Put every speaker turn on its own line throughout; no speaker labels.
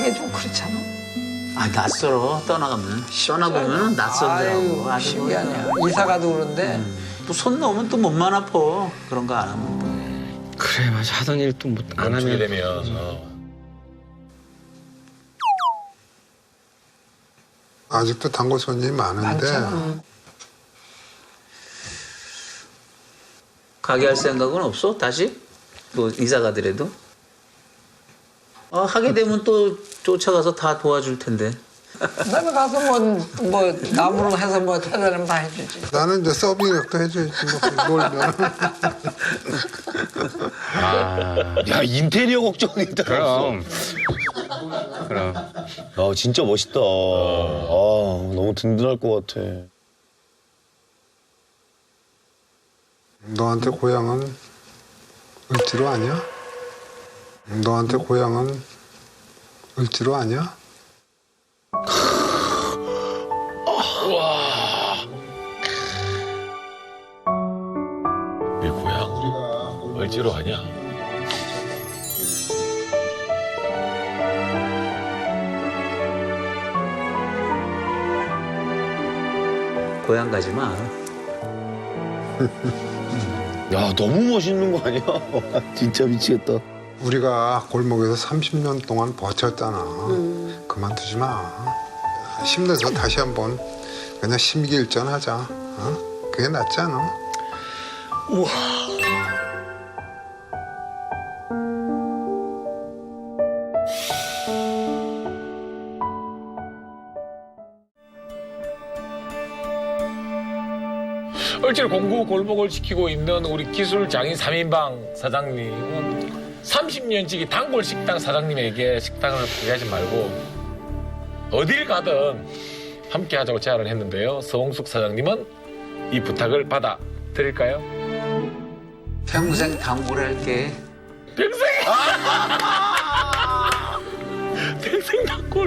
하기 좀 그렇잖아.
아, 낯설어. 떠나보면 낯설더라고.
아유, 신기하네. 이사 가도 그런데
또 손 넣으면 또 몸만 아파. 그런 거 안 하면 또.
그래 맞아 하던 일 또 안
멈추게
하면
되면
아직도 단골 손님이 많은데
많잖아.
가게 할 생각은 없어? 다시? 또 이사 가더라도? 하게 되면 또 쫓아가서 다 도와줄 텐데.
나는 가서 뭐 나무로 해서 뭐 해달라면 다 해주지.
나는 이제 서빙력도 해줘야지 뭐 놀면.
야 인테리어 걱정이다.
그럼
아 진짜 멋있다. 너무 든든할 것 같아.
너한테 고향은 을지로 아니야? 너한테 고향은 을지로 아니야?
내 고향 을지로 아니야.
고향 가지 마.
야 너무 멋있는 거 아니야? 진짜 미치겠다.
우리가 골목에서 30년 동안 버텼잖아. 그만두지 마. 힘내서 다시 한번 그냥 심기일전하자. 그게 낫지 않아?
을지로 공구 골목을 지키고 있는 우리 기술장인 3인방 사장님은 30년지기 단골 식당 사장님에게 식당을 포기하지 말고 어딜 가든 함께 하자고 제안을 했는데요. 서홍숙 사장님은 이 부탁을 받아들일까요?
평생 단골 할게.
평생! 평생 단골!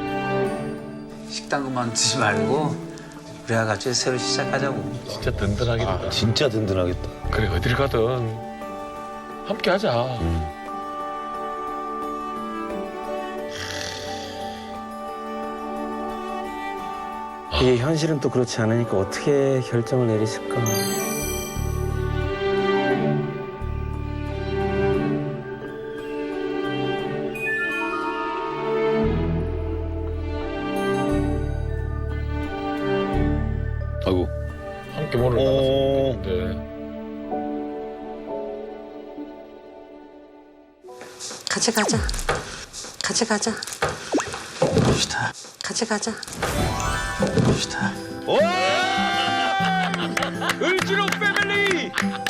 식당 그만두지 말고 우리가 같이 새로 시작하자고.
진짜 든든하겠다.
진짜 든든하겠다.
그래 어딜 가든 함께 하자.
이게 현실은 또 그렇지 않으니까 어떻게 결정을 내리실까.
아이고.
함께 문을 닫았으면 좋겠는데.
같이 가자. 같이 가자.
좋다.
같이 가자.
좋다.
을지로 패밀리!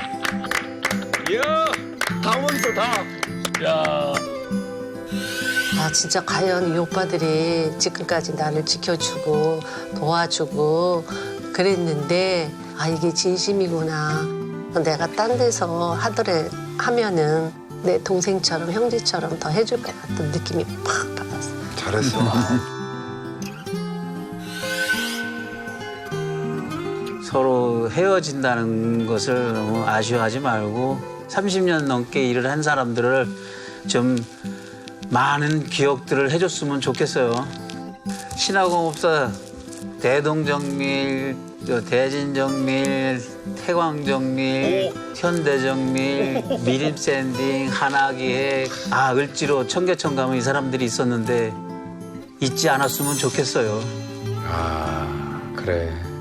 이야, 다 모였어, 다. 야.
아 진짜 과연 이 오빠들이 지금까지 나를 지켜주고 도와주고 그랬는데 아 이게 진심이구나. 내가 딴 데서 하면은 내 동생처럼 형제처럼 더 해줄 것 같은 느낌이 팍 받았어.
잘했어.
서로 헤어진다는 것을 너무 아쉬워하지 말고 30년 넘게 일을 한 사람들을 좀 많은 기억들을 해줬으면 좋겠어요. 신화공업사 대동정밀, 대진정밀, 태광정밀, 현대정밀, 미림샌딩, 하나기획, 을지로, 청계천 가면 이 사람들이 있었는데 잊지 않았으면 좋겠어요.
그래.